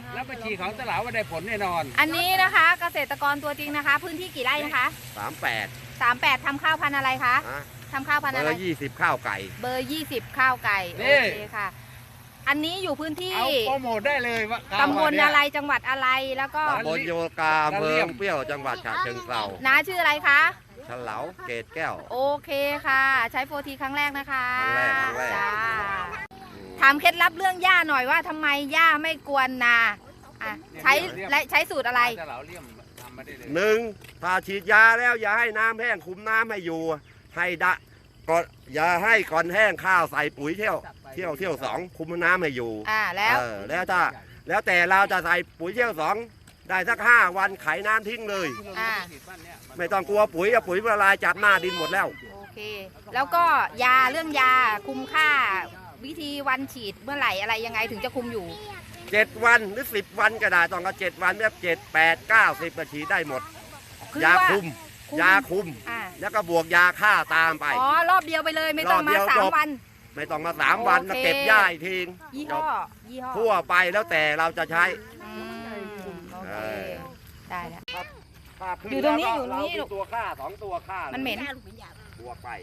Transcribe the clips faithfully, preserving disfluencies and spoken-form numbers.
แล้วบัญชีของตลาดว่าได้ผลแน่นอนอันนี้นะคะเกษตรกรตัวจริงนะคะ พื้นที่กี่ไร่นะคะสามแปดสามแปดทำข้าวพันธุ์อะไรคะทำข้าวพันธุ์อะไรเบอร์ยี่สิบข้าวไก่เบอร์ยี่สิบข้าวไก่โอเคค่ะอันนี้อยู่พื้นที่เอาโปรโมทได้เลยว่าตำบลอะไรจังหวัดอะไรแล้วก็ตำบลโยกาอำเภอเปรี้ยวจังหวัดฉะเชิงเทราน้าชื่ออะไรคะฉลาวเกตแก้วโอเคค่ะใช้โฟทีครั้งแรกนะคะครั้งแรกครั้งแรกจ้าถามเคล็ดลับเรื่องหญ้าหน่อยว่าทำไมหญ้าไม่กวนนาอ่ะใช้และใช้สูตรอะไรหนึ่งถ้าฉีดยาแล้วอย่าให้น้ำแห้งคุมน้ำให้อยู่ให้ดะก็อย่าให้ก่อนแห้งข้าวใส่ปุ๋ยเที่ยวเที่ยวเที่ยวสองคุมน้ำให้อยู่อ่าแล้วแล้วถ้าแล้วแต่เราจะใส่ปุ๋ยเที่ยวสองได้สักห้าวันไขน้ำทิ้งเลยอ่าไม่ต้องกลัวปุ๋ยอะปุ๋ยละลายจับหน้าดินหมดแล้วโอเคแล้วก็ยาเรื่องยาคุมค่าวิธีวันฉีดเมื่อไหร่อะไรยังไงถึงจะคุมอยู่เจ็ดวันหรือสิบวันก็ได้ต้องก็เจ็ดวันแบบเจ็ดแปดเก้าสิบนาทีได้หมดยาคุมยาคุมแล้วก็บวกยาฆ่าตามไปอ๋อรอบเดียวไปเลยไม่ต้องมาสามวันไม่ต้องมาสามวันมาเก็บหญ้าอีกทียี่ห้อยี่ห้อทั่วไปแล้วแต่เราจะใช้โอเคได้แล้วอยู่ตรงนี้อยู่ตรงนี้ตัวฆ่าสองตัวฆ่ามันเหม็นบวกไป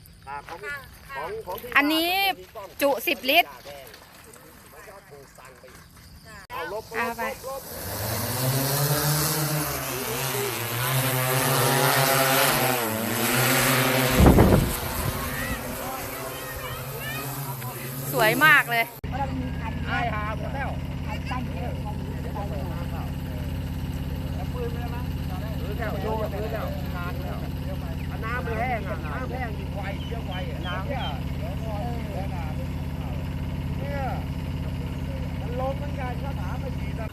อันนี้จุสิบลิตรเอาไปสวยมากเลยไอ้หาหมดแล้วปืนไปแล้วมั้งหรือแล้วโยนหรือแล้วนานแล้วน้ำไม่แห้งอ่ะน้ำแห้งยิ่งไวเยอะไวน้ำเนี่ยเนี่ยมันลงเหมือนกันถ้าถามไม่ฉีด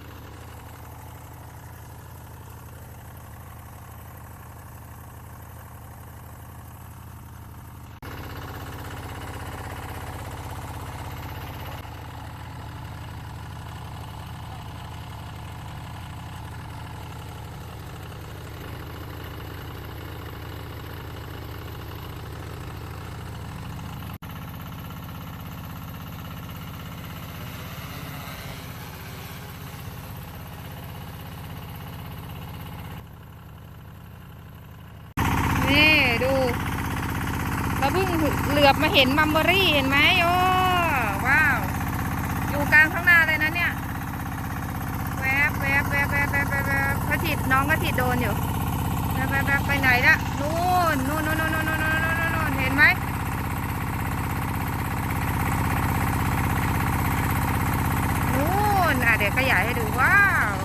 นี่ดูเราเพิ่งเหลือบมาเห็นมัมเบอรี่เห็นไหมโอ้ว้าวอยู่กลางข้างหน้าเลยนะเนี่ยแวบแวบแวบแวบแวบแวบกระถิดน้องกระถิดโดนอยู่แวบแวบแวบไปไหนละนู่นนู่นนู่นนู่นนู่นนู่นนู่นเห็นไหมนู่นอ่ะเดี๋ยวขยายให้ดูว้าว